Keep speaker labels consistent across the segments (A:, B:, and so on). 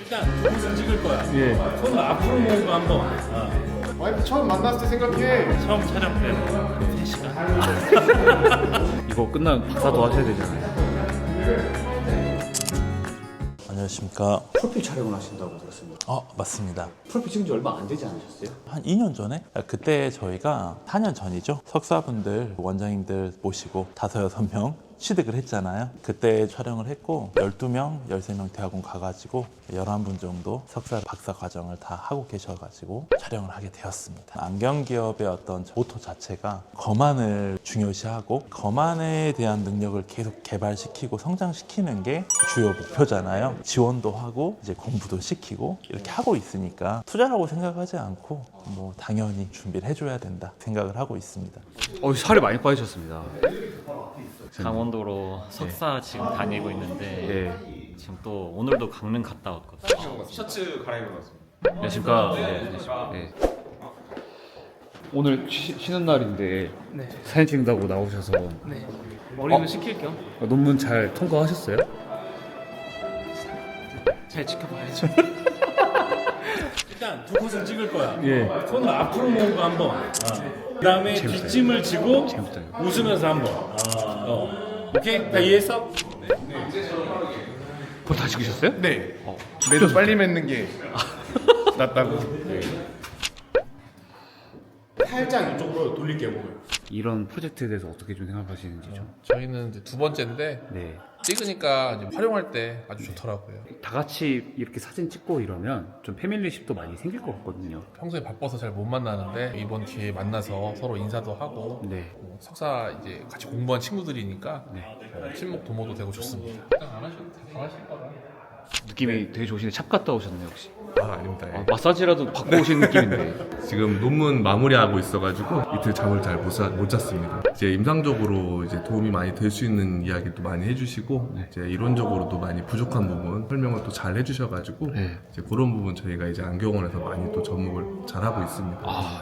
A: 일단 옷을 찍을 거야.
B: 예.
A: 손을 앞으로 모으고 한번.
C: 와이프 처음 만났을 때 생각해.
A: 처음 촬영 때는 3시간.
B: 이거 끝나면 박사도 하셔야 되잖아요.
D: 안녕하십니까.
B: 프로필 촬영을 하신다고 들었습니다.
D: 맞습니다.
B: 프로필 찍은 지 얼마 안 되지 않으셨어요?
D: 한 2년 전에? 그때 저희가 4년 전이죠. 석사분들, 원장님들 모시고 5, 6명 취득을 했잖아요. 그때 촬영을 했고 12명, 13명 대학원 가가지고 11분 정도 석사, 박사 과정을 다 하고 계셔가지고 촬영을 하게 되었습니다. 안경기업의 어떤 모토 자체가 거만을 중요시하고 거만에 대한 능력을 계속 개발시키고 성장시키는 게 주요 목표잖아요. 지원도 하고 이제 공부도 시키고 이렇게 하고 있으니까 투자라고 생각하지 않고 뭐 당연히 준비를 해줘야 된다 생각을 하고 있습니다.
B: 살이 많이 빠지셨습니다.
E: 강원도로 석사 지금 다니고 있는데
B: 예.
E: 지금 또 오늘도 강릉 갔다 왔거든요.
F: 셔츠 갈아입은 것 같습니다.
B: 안녕하십니까. 네. 오늘 쉬는 날인데 사진 찍는다고 나오셔서
A: 머리는 식힐 겸.
B: 논문 잘 통과하셨어요?
A: 잘 지켜봐야죠. 일단 두 컷을 찍을 거야.
B: 예.
A: 손을 앞으로 모으고 한번. 그다음에 뒷짐을 지고
B: 재밌다.
A: 웃으면서 한번. 오케이? 다 이해했어?
B: 그걸 다 찍으셨어요?
C: 네. 매도 빨리 맺는 게 낫다고.
A: 살짝 이쪽으로 돌릴게 몸을.
B: 이런 프로젝트에 대해서 어떻게 좀 생각하시는지 좀.
F: 저희는 이제 두 번째인데
B: 네.
F: 찍으니까 이제 활용할 때 아주 좋더라고요.
B: 다 같이 이렇게 사진 찍고 이러면 좀 패밀리십도 많이 생길 것 같거든요.
F: 평소에 바빠서 잘 못 만나는데 이번 기회에 만나서 서로 인사도 하고
B: 네.
F: 석사 이제 같이 공부한 친구들이니까
B: 네.
F: 친목 도모도 되고 좋습니다. 안 하셔도 잘하실 거다.
B: 느낌이 되게 좋으신데 샵 갔다 오셨네요 혹시?
G: 아닙니다. 예.
B: 마사지라도 받고 오신 느낌인데.
G: 지금 논문 마무리하고 있어가지고 이틀 잠을 잘 못 잤습니다. 이제 임상적으로 이제 도움이 많이 될 수 있는 이야기도 많이 해주시고 이제 이론적으로도 많이 부족한 부분 설명을 또 잘 해주셔가지고
B: 네.
G: 이제 그런 부분 저희가 이제 안경원에서 많이 또 접목을 잘 하고 있습니다.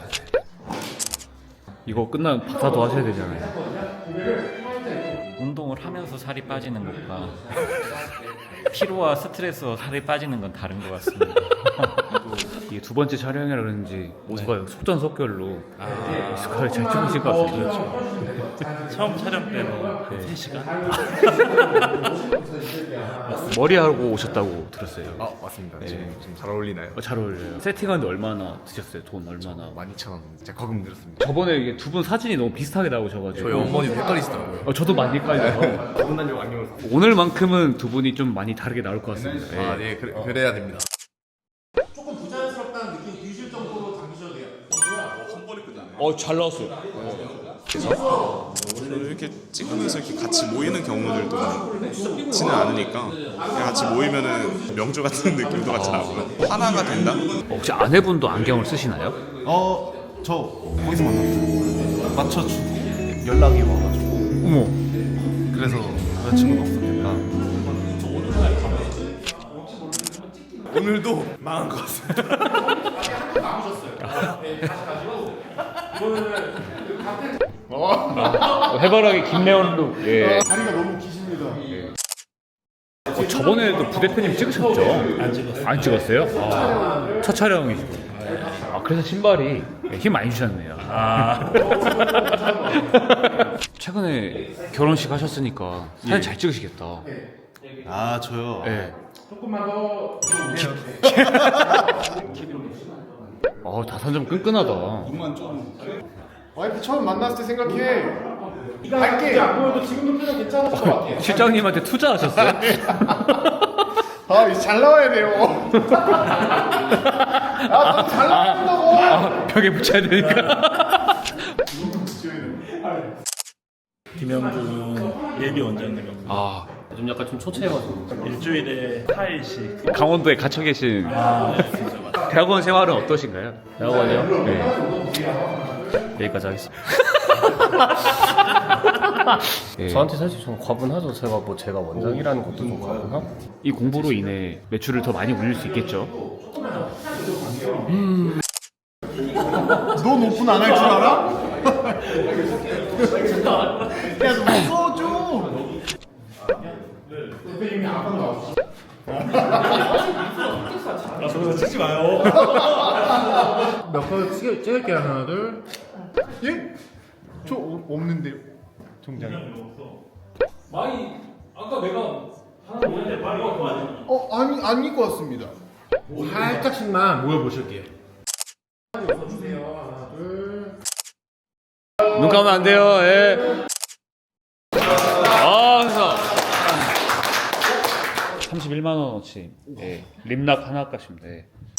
B: 이거 끝나면 박사도 하셔야 되잖아요.
E: 운동을 하면서 살이 빠지는 것과 피로와 스트레스와 살이 빠지는 건 다른 것 같습니다.
B: 이게 두 번째 촬영이라 그런지 모두가 속전속결로 스카를 잘 찍으실 것 같아요.
A: 처음 촬영 때는 3시간.
B: 머리하고 오셨다고 들었어요.
H: 맞습니다. 지금 좀 잘 어울리나요?
B: 잘 어울려요. 세팅하는데 얼마나 드셨어요? 돈 얼마나?
H: 12,000원 진짜 거금 들었습니다.
B: 저번에 이게 두 분 사진이 너무 비슷하게 나오셔가지고
H: 저희 어머니도 헷갈리시더라고요.
B: 저도 많이 헷갈려요.
H: 구분단용 안경을
B: 오늘만큼은 두 분이 좀 많이 다르게 나올 것 같습니다.
H: 아, 네, 그래야 됩니다.
A: 조금 부자연스럽다는 느낌 드실 정도로 당기셔도 돼요.
B: 잘 나왔어요.
I: 이렇게 찍으면서 이렇게 같이 모이는 경우들도 많지는 않으니까 그냥 같이 모이면은 명주 같은 느낌도 같이 나고요. 하나가 된다?
B: 혹시 아내분도 안경을 쓰시나요?
C: 저 거기서 만났어요. 맞춰주고 연락이 와가지고.
B: 어머.
C: 그래서 여자친구가 없었겠다. 오늘도 망한 것 같습니다.
B: 해바라기 김래원 룩. 예.
C: 다리가 너무 기십니다.
B: 저번에도 부대표님 찍으셨죠? 안 찍었어요? 첫 촬영이시고. 그래서 신발이 힘 많이 주셨네요. 최근에 결혼식 하셨으니까 사진 잘 찍으시겠다.
C: 저요.
B: 네.
A: 조금만 더.
B: 다산점 끈끈하다.
C: 와이프 처음 만났을 때 생각해. 갈게. 안 보여도 지금도 표정 괜찮을 것 같아.
B: 실장님한테 투자하셨어요?
C: 이제 잘 나와야 돼요. 잘 나온다고.
B: 벽에 붙여야 되니까.
A: 김영준 예비 원장님.
E: 요즘 약간 좀 초췌해가지고
A: 일주일에 4일씩.
B: 강원도에 갇혀 계신 대학원 생활은 어떠신가요?
E: 대학원이요?
B: 네.
E: 여기까지 하겠습니다.
B: 예.
J: 저한테 사실 좀 과분하죠. 제가 원장이라는 것도 좀 과분하고.
B: 이 공부로 인해 매출을 더 많이 올릴 수 있겠죠?
C: 넌 오픈 안 할 줄 알아? 야, 너 써줘. 대표님이 아까 나왔어.
A: 찍지 마요.
C: 몇번 찍을게요. 하나 둘. 예? 저 없는데요. 통장에.
A: 많이 아까 내가 하나 보는데 많이 갖고 왔네.
C: 아니 안 입고 왔습니다. 살짝씩만 모여 보실게요. 주세요. 하나 둘.
B: 눈 감으면 안 돼요. 예. 그래서 31만 원어치 예, 림락 하나 값입니다. 예.